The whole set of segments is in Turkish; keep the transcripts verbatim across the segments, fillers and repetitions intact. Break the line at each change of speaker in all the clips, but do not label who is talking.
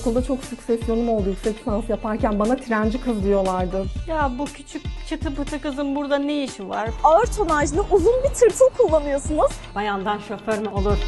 Okulda çok süksesyonum oldu yüksek lisans yaparken, bana trenci kız diyorlardı.
Ya bu küçük çıtı pıtı kızın burada ne işi var?
Ağır tonajlı uzun bir tırtıl kullanıyorsunuz.
Bayandan şoför mü olur?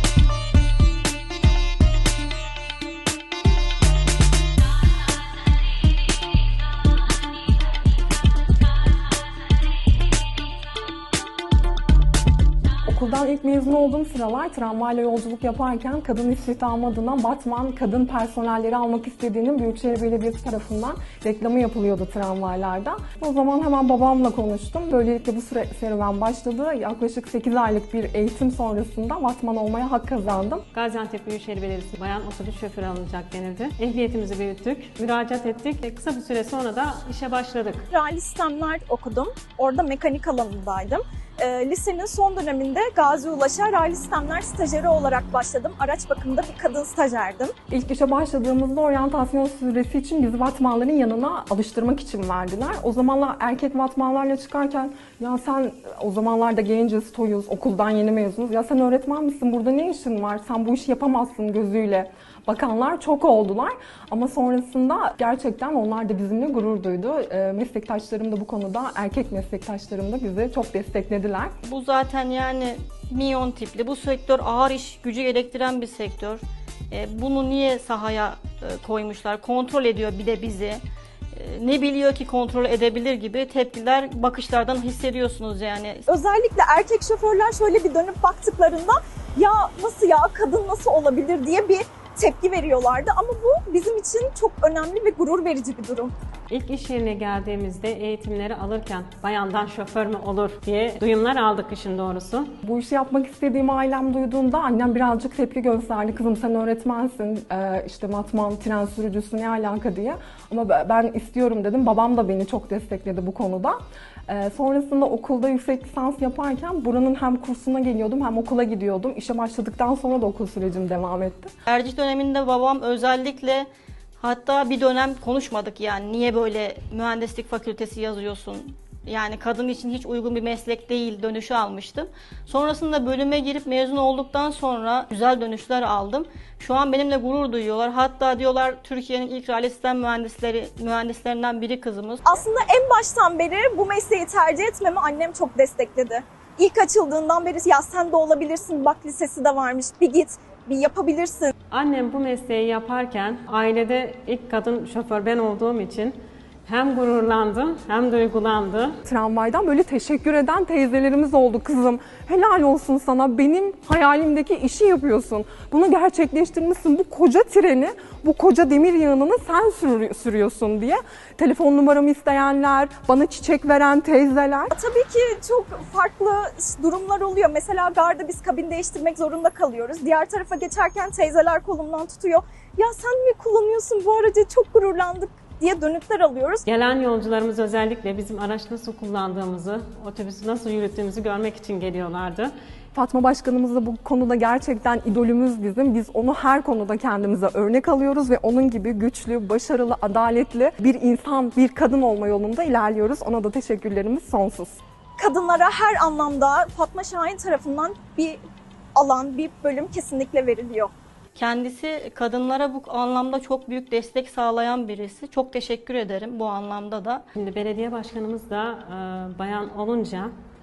Okuldan ilk mezun olduğum sıralar tramvayla yolculuk yaparken kadın istihdamı adına Batman kadın personelleri almak istediğinin Büyükşehir Belediyesi tarafından reklamı yapılıyordu tramvaylarda. O zaman hemen babamla konuştum. Böylelikle bu süre, serüven başladı. Yaklaşık sekiz aylık bir eğitim sonrasında Batman olmaya hak kazandım.
Gaziantep Büyükşehir Belediyesi bayan otobüs şoförü alınacak denildi. Ehliyetimizi büyüttük, müracaat ettik ve kısa bir süre sonra da işe başladık.
Rally sistemler okudum. Orada mekanik alanındaydım. E, lisenin son döneminde Gazi Ulaş'a rally sistemler stajyeri olarak başladım. Araç bakımında bir kadın stajyerdim.
İlk işe başladığımızda oryantasyon süresi için bizi vatmanların yanına alıştırmak için verdiler. O zamanlar erkek vatmanlarla çıkarken ya sen o zamanlarda genciz, toyuz, okuldan yeni mezunuz. Ya sen öğretmen misin? Burada ne işin var? Sen bu işi yapamazsın gözüyle bakanlar çok oldular. Ama sonrasında gerçekten onlar da bizimle gurur duydu. E, meslektaşlarım da bu konuda, erkek meslektaşlarım da bizi çok desteklediler.
Bu zaten yani minyon tipli. Bu sektör ağır iş gücü gerektiren bir sektör. E, bunu niye sahaya e, koymuşlar? Kontrol ediyor bir de bizi. E, ne biliyor ki kontrol edebilir gibi tepkiler bakışlardan hissediyorsunuz yani.
Özellikle erkek şoförler şöyle bir dönüp baktıklarında ya nasıl ya kadın nasıl olabilir diye bir tepki veriyorlardı ama bu bizim için çok önemli ve gurur verici bir durum.
İlk iş yerine geldiğimizde eğitimleri alırken bayandan şoför mü olur diye duyumlar aldık işin doğrusu.
Bu işi yapmak istediğimi ailem duyduğunda annem birazcık tepki gösterdi. Kızım sen öğretmensin, ee, işte matman, tren sürücüsü ne alaka diye. Ama ben istiyorum dedim. Babam da beni çok destekledi bu konuda. Ee, sonrasında okulda yüksek lisans yaparken buranın hem kursuna geliyordum hem okula gidiyordum. İşe başladıktan sonra da okul sürecim devam etti.
Tercih döneminde babam özellikle, hatta bir dönem konuşmadık yani niye böyle mühendislik fakültesi yazıyorsun? Yani kadın için hiç uygun bir meslek değil dönüşü almıştım. Sonrasında bölüme girip mezun olduktan sonra güzel dönüşler aldım. Şu an benimle gurur duyuyorlar. Hatta diyorlar Türkiye'nin ilk rally sistem mühendisleri, mühendislerinden biri kızımız.
Aslında en baştan beri bu mesleği tercih etmemi annem çok destekledi. İlk açıldığından beri ya sen de olabilirsin, bak lisesi de varmış, bir git, bir yapabilirsin.
Annem bu mesleği yaparken ailede ilk kadın şoför ben olduğum için hem gururlandı hem duygulandı.
Tramvaydan böyle teşekkür eden teyzelerimiz oldu. Kızım helal olsun sana, benim hayalimdeki işi yapıyorsun. Bunu gerçekleştirmişsin. Bu koca treni, bu koca demir yığınını sen sürüyorsun diye. Telefon numaramı isteyenler, bana çiçek veren teyzeler.
Tabii ki çok farklı durumlar oluyor. Mesela garda biz kabin değiştirmek zorunda kalıyoruz. Diğer tarafa geçerken teyzeler kolumdan tutuyor. Ya sen mi kullanıyorsun bu aracı, çok gururlandık diye dönütler alıyoruz.
Gelen yolcularımız özellikle bizim araç nasıl kullandığımızı, otobüsü nasıl yürüttüğümüzü görmek için geliyorlardı.
Fatma Başkanımız da bu konuda gerçekten idolümüz bizim. Biz onu her konuda kendimize örnek alıyoruz ve onun gibi güçlü, başarılı, adaletli bir insan, bir kadın olma yolunda ilerliyoruz. Ona da teşekkürlerimiz sonsuz.
Kadınlara her anlamda Fatma Şahin tarafından bir alan, bir bölüm kesinlikle veriliyor.
Kendisi kadınlara bu anlamda çok büyük destek sağlayan birisi. Çok teşekkür ederim bu anlamda da.
Şimdi belediye başkanımız da e, bayan olunca,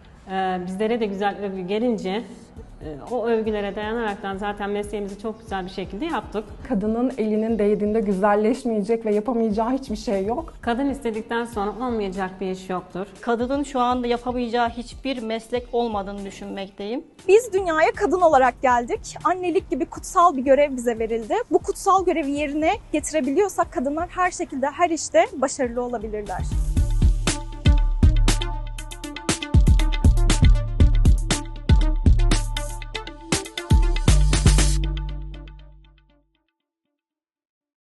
e, bizlere de güzel övgü gelince e, o övgülere dayanaraktan zaten mesleğimizi çok güzel bir şekilde yaptık.
Kadının elinin değdiğinde güzelleşmeyecek ve yapamayacağı hiçbir şey yok.
Kadın istedikten sonra olmayacak bir iş yoktur.
Kadının şu anda yapamayacağı hiçbir meslek olmadığını düşünmekteyim.
Biz dünyaya kadın olarak geldik. Annelik gibi kutsal bir görev bize verildi. Bu kutsal görevi yerine getirebiliyorsak kadınlar her şekilde, her işte başarılı olabilirler.